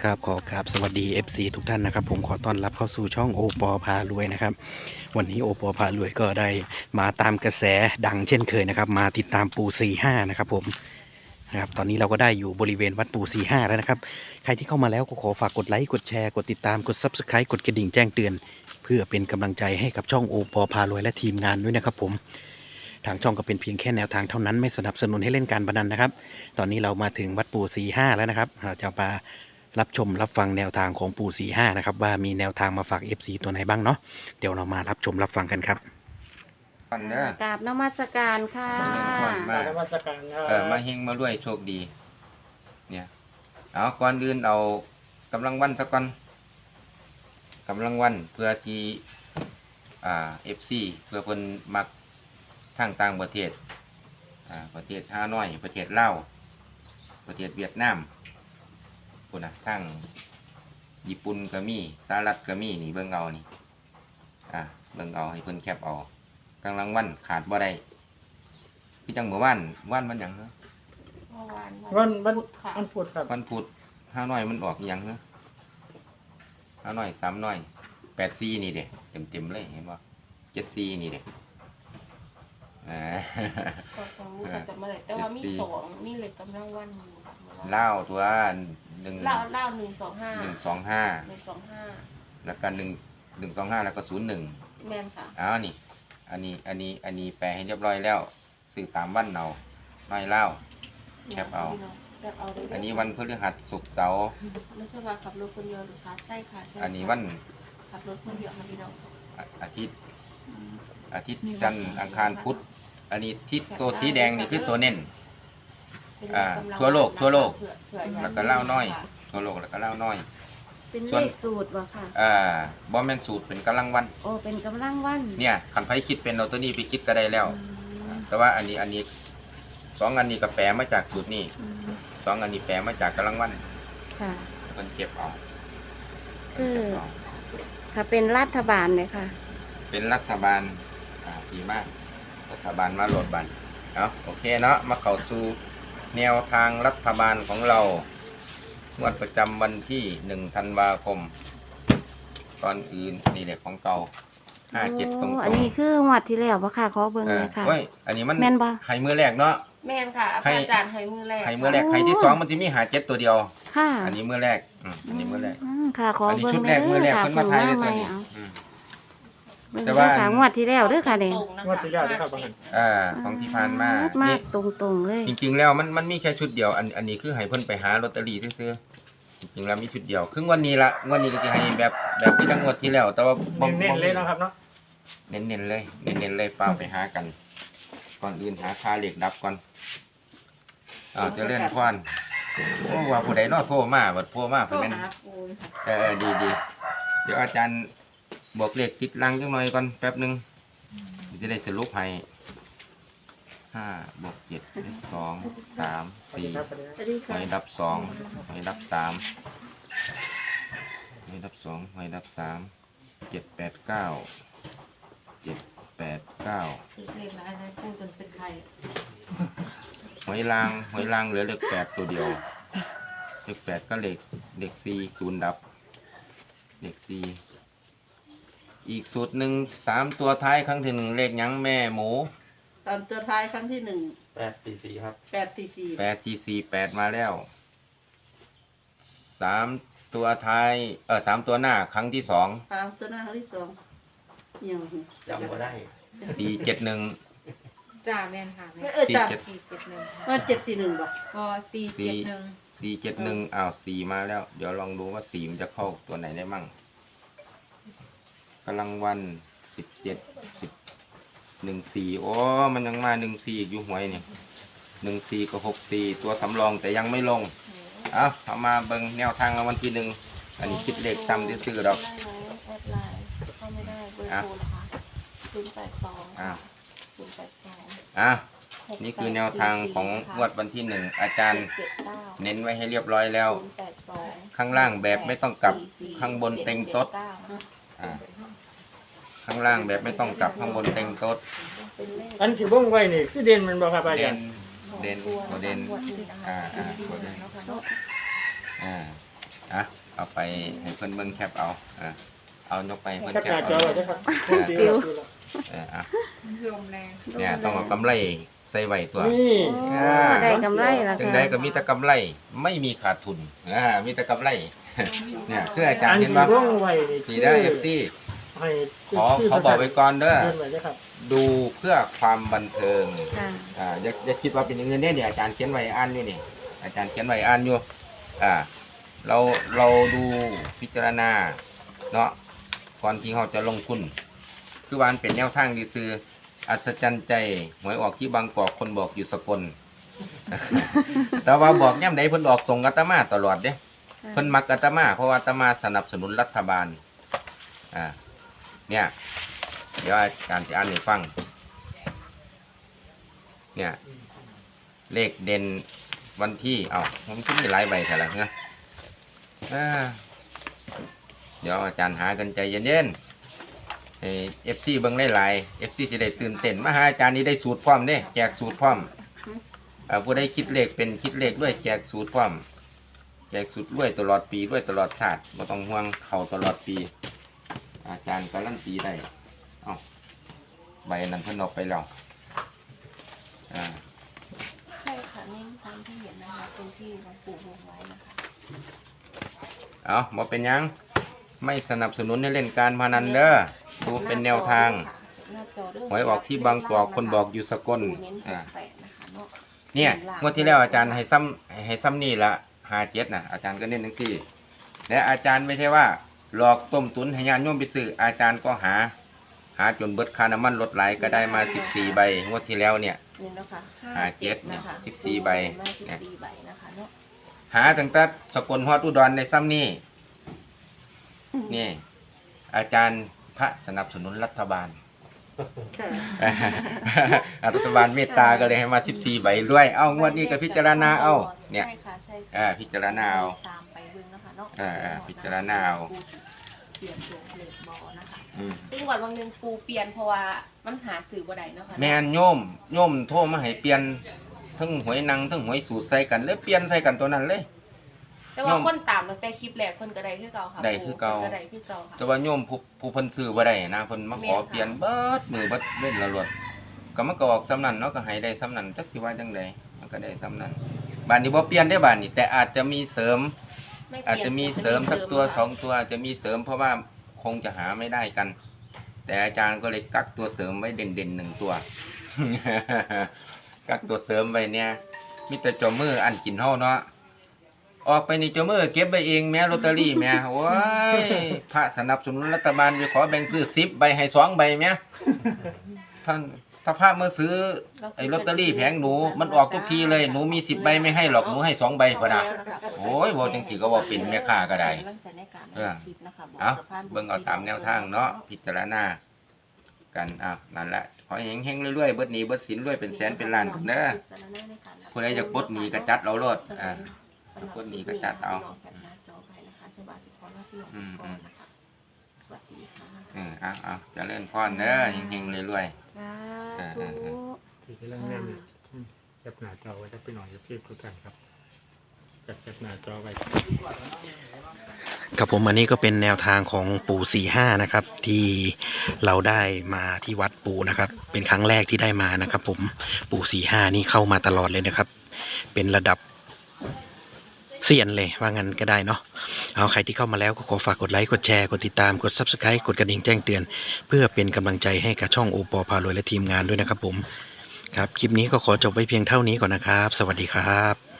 ครับขอกราบสวัสดี FC ทุกท่านนะครับผมขอต้อนรับเข้าสู่ช่องโอปอพารวยนะครับวันนี้โอปอพารวยก็ได้มาตามกระแสดังเช่นเคยนะครับมาติดตามปู่45นะครับผมนะครับตอนนี้เราก็ได้อยู่บริเวณวัดปู่45แล้วนะครับใครที่เข้ามาแล้วก็ขอฝากกดไลค์กดแชร์กดติดตามกด Subscribe กดกระดิ่งแจ้งเตือนเพื่อเป็นกำลังใจให้กับช่องโอปอพารวยและทีมงานด้วยนะครับผมทางช่องก็เป็นเพียงแค่แนวทางเท่านั้นไม่สนับสนุนให้เล่นการพนันนะครับตอนนี้เรามาถึงวัดปู่45แล้วนะครับเราจะมารับชมรับฟังแนวทางของปู่45นะครับว่ามีแนวทางมาฝาก FC ตัวไหนบ้างเนาะเดี๋ยวเรามารับชมรับฟังกันครับก่อนเด้อกราบนมัสการค่ะก่อนมานมัสการครับมาเฮงมาด้วยโชคดี เนี่ยเอาก่อนอื่นเอากำลังวันสักก่อนกำลังวันเพื่อที่FC เพื่อเพิ่นมักทางต่างประเทศประเทศฮานอยประเทศลาวประเทศเวียดนามพุ่นน่ะทางญี่ปุ่นก็มีสหรัฐก็มีนี่เบิ่งเอานี่เบิ่งเอาให้เพิ่นแคปเอากำลังวันขาดบ่ได้คือจังเมื่อวานมันหยังเนาะวันพุธครับวันพุธห้าน้อยมันออกอิหยังเนาะห้าน้อย3น้อย84นี่เด้เต็มเลยเห็นบ่74นี่เด้ก็สองก็จะมาเลยแต่ว่ามีสองมีเลยกำลังวันลาวตัว1 เล่า125 125แล้วก็125แล้วก็01 แม่นค่ะนี่อันนี้แปลให้เรียบร้อยแล้วสื่อตามวันเอาน้อยลาวแคปเอาอันนี้วันพฤหัสศุกร์เสาร์ไม่ใช่ว่าขับรถคนเดียวหรือคะใช่ค่ะอันนี้วันขับรถคนเดียวค่ะพี่น้องอาทิตย์จันทร์อังคารพุธอันนี้ที่ตัวสีแดงนี่คือตัวเน้นทั่วโลกแล้วก็เล่าน้อยทั่วโลกแล้วก็เล่าน้อยเป็นเลขสูตรวะค่ะบอมแมนสูตรเป็นกำลังวันโอ้เป็นกำลังวันเนี่ยคันไผคิดเป็นเอาตัวนี้ไปคิดก็ได้แล้วแต่ว่าอันนี้2อันนี้ก็แปลมาจากสูตรนี้2อันนี้แปลมาจากกำลังวันค่ะมันเก็บเอาคือถ้าเป็นรัฐบาลเลยค่ะเป็นรัฐบาลดีมากรัฐบาลมาโหลดบันโอเคเนาะมาเข้าสู่แนวทางรัฐบาลของเรางวดประจำวันที่1 ธันวาคมก่อนอื่นนี่แหละของเก่า57ตรงอันนี้คืองวดที่แล้วบ่ค่ะขอเบิ่งเลยค่ะอันนี้มันแม่นบ่ให้มือแรกเนาะแม่นค่ะอาจารย์ให้มือแรกให้ที่2มันจะมี57ตัวเดียวค่ะอันนี้มือแรกอันนี้มือแรกค่ะขอเบิ่งชุดแรกมือแรกเพิ่นมาถ่ายเลยตัวนี้แต่ว่างวดที่แล้วเด้อค่ะนี่งวดที่แล้วนะครับของที่ผ่านมานี่ตรงๆเลยจริงๆแล้วมันมีแค่ชุดเดียวอันนี้คือให้เพิ่นไปหาลอตเตอรี่ซื้อจริงๆแล้วมีชุดเดียวครึ่งวันนี้ละงวดนี้ก็สิให้แบบที่ทั้งงวดที่แล้วแต่ว่าเน้นเลยนะครับเนาะเน้นๆเลยฟ้าไปหากันก่อนอื่นหาค่าเหล็กดับก่อนจะเลื่อนควันว่าผู้ใดเนาะโทรมาเพิ่นแม่นดีเดี๋ยวอาจารย์บอกเลขติดลังจังหน่อยก่อนแป๊บนึงจะได้สรุปให้5 บวก 7 2 3 4หอยดับ2หอยดับ3หอยดับ2หอยดับ3 7 8 9 7 8 9หอยลางเหลือเลข8ตัวเดียวเลข8ก็เลข4 0ดับเลข4อีกสูตรหนึ่ง3ตัวท้ายครั้งที่1เลขหยังแม่หมู 3ตัวท้ายครั้งที่ 844ครับ 844 8มาแล้ว3ตัวท้าย3ตัวหน้าครั้งที่2 3ตัวหน้าครั้งที่2ยังจำบ่ได้ 471 จ่าแม่นค่ะแม่ 471บ่ก็471 4มาแล้วเดี๋ยวลองดูว่า4มันจะเข้าตัวไหนได้มั่งกำลังวัน17 14โอ้มันยังมา14อยู่หวยนี่14กับ64ตัวสำรองแต่ยังไม่ลงเอามาเบิ่งแนวทางวันที่1อันนี้คิดเลขซ้ำซื่อๆดอกเข้าไม่ได้เบอร์โทรนะคะ082 นี่คือแนวทางของงวดวันที่1อาจารย์เน้นไว้ให้เรียบร้อยแล้วข้างล่างแบบไม่ต้องกลับข้างบนเต็งโต๊ดข้างล่างแบบไม่ต้องกลับข้างบนเต็งโต๊ดอันที่บ่งไว้นี่คือเด่นมันบ่ครับอาจารย์เด่นตัวเด่นเอาไปให้เพิ่นเบิ่งแคปเอาเอายกไปให้เพิ่นแคปแคหปน้าจอเอาไว้ด้วยครับปิวลมแรงเนี่ยต้องเอากำไรใส่ไว้ตัวนี่โอ้ได้กำไรแล้วจังค่ะใดก็มีแต่กำไรไม่มีขาดทุนมีแต่กำไร เนี่ยคืออาจารอัย์นเห็นที่บ่วงไว้นี่สีได้ FC ให้ขอบอกไว้ก่อนเด้อเดินไว้ด้วยครับดูเพื่อความบันเทิงค่ะอย่าคิดว่าเป็นอย่างอื่นเนี่ยอาจารย์เขียนไว้อ่านอยู่นี่อาจารย์เขียนไว้อ่านอยู่เราดูพิจารณาเนาะก่อนที่เราจะลงทุนคือวามันเป็นแนวทางดีซื้ออัศจรรย์ใจหวยออกที่บางกอกคนบอกอยู่สกล แต่ว่าบอกย่ำใดเพิ่นออกตรงอาตมาตลอดเด้เพิ่นมักอาตมาเพราะว่าอาตมาสนับสนุนรัฐบาลเนี่ยเดี๋ยวอาจารย์จะอ่านให้ฟังเนี่ยเลขเด่นวันที่ผมคิดมีหลายใบแต่ละเนี่ยเดี๋ยวอาจารย์หากันใจเย็นๆFC เบิ่งหลายๆ FC สิได้ตื่นเต้นมาหาอาจารย์นี่ได้สูตรพร้อมเด้แจกสูตรพร้อมผู้ใดคิดเลขเป็นคิดเลขด้วยแจกสูตรพร้อมแจกสูตรด้วยตลอดปีด้วยตลอดชาติบ่ต้องห่วงเข้าตลอดปีอาจารย์การันตีได้ใบนั้นเพิ่นออกไปแล้วใช่ค่ะนี่ตามที่เห็นนะคะเป็นที่หลวงปู่วงไว้นะคะบ่เป็นหยังไม่สนับสนุนให้เล่นการพนันเด้อดูเป็นแนวทางหวยออกที่บางกอกคนบอกอยู่สกลเนี่ยงวดที่แล้วอาจารย์ให้ซ้ำนี่ละ57นะอาจารย์ก็เน้นทั้งสี่และอาจารย์ไม่ใช่ว่าหลอกต้มตุนให้ญาติโยมไปซื้ออาจารย์ก็หาจนเบิดค่าน้ำมันลดไหลก็ได้มา14ใบงวดที่แล้วเนี่ยนี่นะคะ 57เนี่ย14ใบเนี่ย 14ใบนะคะเนาะหาตั้งแต่สกลฮอดอุดรในซ้ำนี่นี่อาจารย์พระสนับสนุนรัฐบาล รัฐบาลเมตตาก็เลยให้มา14ใบด้วยงวดนี้ก็พิจารณาเอาเนี่ยใช่ค่ะใช่ค่ะพิจารณาเอาตามไปเบิ่งนะคะเนาะพิจารณาเอาเปลี่ยนตัวเลขบอนะคะซึ่งวันวันหนึงปูเปลี่ยนเพราะว่ามันหาสื่อบ่ได้เนาะค่ะแม่นโยมโทรมาให้เปลี่ยนทั้งหวยนังทั้งหวยสูตรใส่กันเลยเปลี่ยนใส่กันตัวนั้นเลยแต่ว่าคนตามตั้งแต่คลิปแรกเพิ่นก็ได้คือเก่าค่ะได้คือเก่าพิ่นได้คือเก่าค่ะแต่ว่าโยมผู้เพิ่นซื้อบ่ได้นะเพิ่นมาขอเปลี่ยนเบิดมือเบิดเล่นละลวดก็มันก็ออกซ้ำนั้นเนาะก็ให้ได้ซ้ำนั้นจักสิว่าจังไดมันก็ได้ซ้ำนั้นบ้านนี้บ่เปลี่ยนได้บ้านนี้แต่อาจจะมีเสริมไม่เปลี่ยนอาจจะมีเสริมสักตัว2ตัวอาจจะมีเสริมเพราะว่าคงจะหาไม่ได้กัน แต่อาจารย์ก็เลยกักตัวเสริมไว้เด่นๆ1ตัว กักตัวเสริมไว้เนี่ยมีแต่เจ้ามืออันกินเฮาเนาะออกไปนี่เจ้ามือเก็บไว้เองแม่ลอตเตอรี่แม่โอ้ยพระสนับสนุนรัฐบาลไปขอแบ่งซื้อ10ใบให้2ใบแม่ท่านถ้าพระมาซื้อไอ้ลอตเตอรี่แผงหนูมันออกทุกทีเลยหนูมี10ใบไม่ให้หรอกหนูให้2ใบพุ่นน่ะโอ้ยบ่จังสิก็บ่เป็นแม่ค้าก็ได้เบิ่งเอาตามแนวทางเนาะพิจารณากันนั่นแหละขอเฮงๆเรื่อยๆเบิดหนี้เบิดสินรวยเป็นแสนเป็นล้านพุ่นเด้อผู้ใดอยากปลดหนี้ก็จัดเอาโลดปลดหนี้ก็จัดเอาเจริญพรเด้อเฮงๆรวยๆสาธุที่กำลังแน่นแคปหน้าจอไว้จะไปหน่อยจะเพียบคุยกันครับแคปหน้าจอไว้ครับผมอันนี้ก็เป็นแนวทางของปู่45นะครับที่เราได้มาที่วัดปู่นะครับเป็นครั้งแรกที่ได้มานะครับผมปู่45นี่เข้ามาตลอดเลยนะครับเป็นระดับเซียนเลยว่างั้นก็ได้เนาะเอาใครที่เข้ามาแล้วก็ขอฝากกดไลค์กดแชร์กดติดตามกด Subscribe กดกระดิ่งแจ้งเตือนเพื่อเป็นกำลังใจให้กับช่องโอปอพารวยและทีมงานด้วยนะครับผมครับคลิปนี้ก็ขอจบไว้เพียงเท่านี้ก่อนนะครับสวัสดีครับ